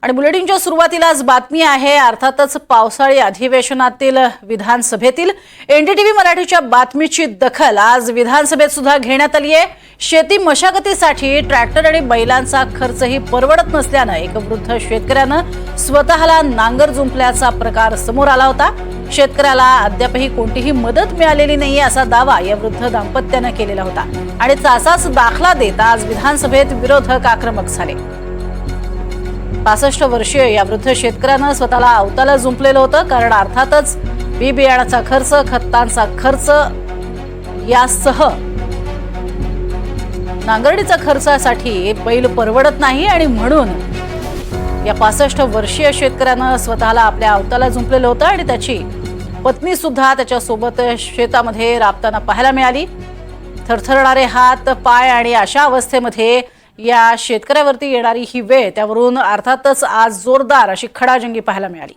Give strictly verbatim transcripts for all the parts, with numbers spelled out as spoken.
आणि बुलेटिनच्या सुरुवातीलाच बातमी आहे अर्थातच पावसाळी अधिवेशनातील विधानसभेतील एनडीटीव्ही मराठीच्या बातमीची दखल आज विधानसभेत सुद्धा घेण्यात आली आहे। शेती मशागतीसाठी ट्रॅक्टर आणि बैलांचा खर्चही परवडत नसल्याने एक वृद्ध शेतकऱ्यानं स्वतःला नांगर जुंपल्याचा प्रकार समोर आला होता। शेतकऱ्याला अद्यापही कोणतीही मदत मिळालेली नाही असा दावा या वृद्ध दाम्पत्याने केलेला होता आणि असाच दाखला देत आज विधानसभेत विरोधक आक्रमक झाले। पासष्ट वर्षीय या वृद्ध शेतकऱ्यानं स्वतःला अवताला जुंपलेलं होतं, कारण अर्थातच बी बियाणाचा खर्च, खतांचा खर्च यासह नांगरणीचा खर्चासाठी बैल परवडत नाही आणि म्हणून या पासष्ट वर्षीय शेतकऱ्यानं स्वतःला आपल्या अवताला जुंपलेलं होतं आणि त्याची पत्नी सुद्धा त्याच्या सोबत शेतामध्ये राबताना पाहायला मिळाली। थरथरणारे हात पाय आणि अशा अवस्थेमध्ये या शेतकऱ्यावरती येणारी ही वेळ, त्यावरून अर्थातच आज जोरदार अशी खडाजंगी पाहायला मिळाली।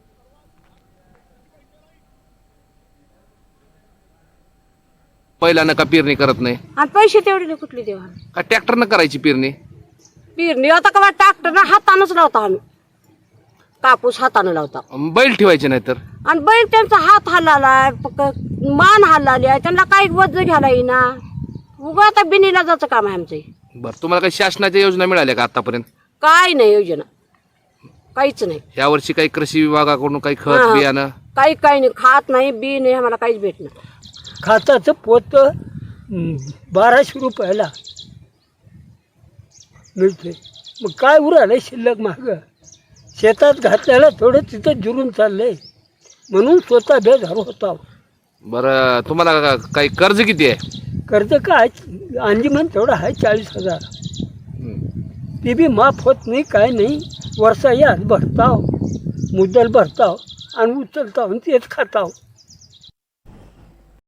पहिल्यानं का पेरणी करत नाही आणि पैसे तेवढे नाही कुठले देवा का ट्रॅक्टरनं करायची पेरणी? पेरणी आता का ट्रॅक्टर हातानच लावता, आम्ही कापूस हाताने लावता। बैल ठेवायचे नाही तर आणि बैल त्यांचा हात हल्लालाय, मान हल्लाली आहे, त्यांना काही वज घ्यायला येईना। उगा आता बिनीला जायचं काम आहे आमचं। बरं, तुम्हाला काही शासनाच्या योजना मिळाल्या का आतापर्यंत? काय नाही योजना, काहीच नाही। या वर्षी काही कृषी विभागाकडून काही खत हा. बियाणं काही काही नाही, खात नाही, बी नाही, आम्हाला काहीच भेटणार। खाताचं पोत हं, बाराशे रुपयाला मिळते, मग काय उरालंय शिल्लक माग? शेतात घातल्याला थोडं तिथं जुरून चाललंय, म्हणून स्वतः बेजार होता। बरं, तुम्हाला का- काही कर्ज किती आहे? कर्ज काय अंजीमन तेवढं आहे चाळीस हजार, ते बी माफ होत नाही, काय नाही। वर्षा यात भरताव, मुद्दल भरताव आणि उचलताव आणि तेच खाताव।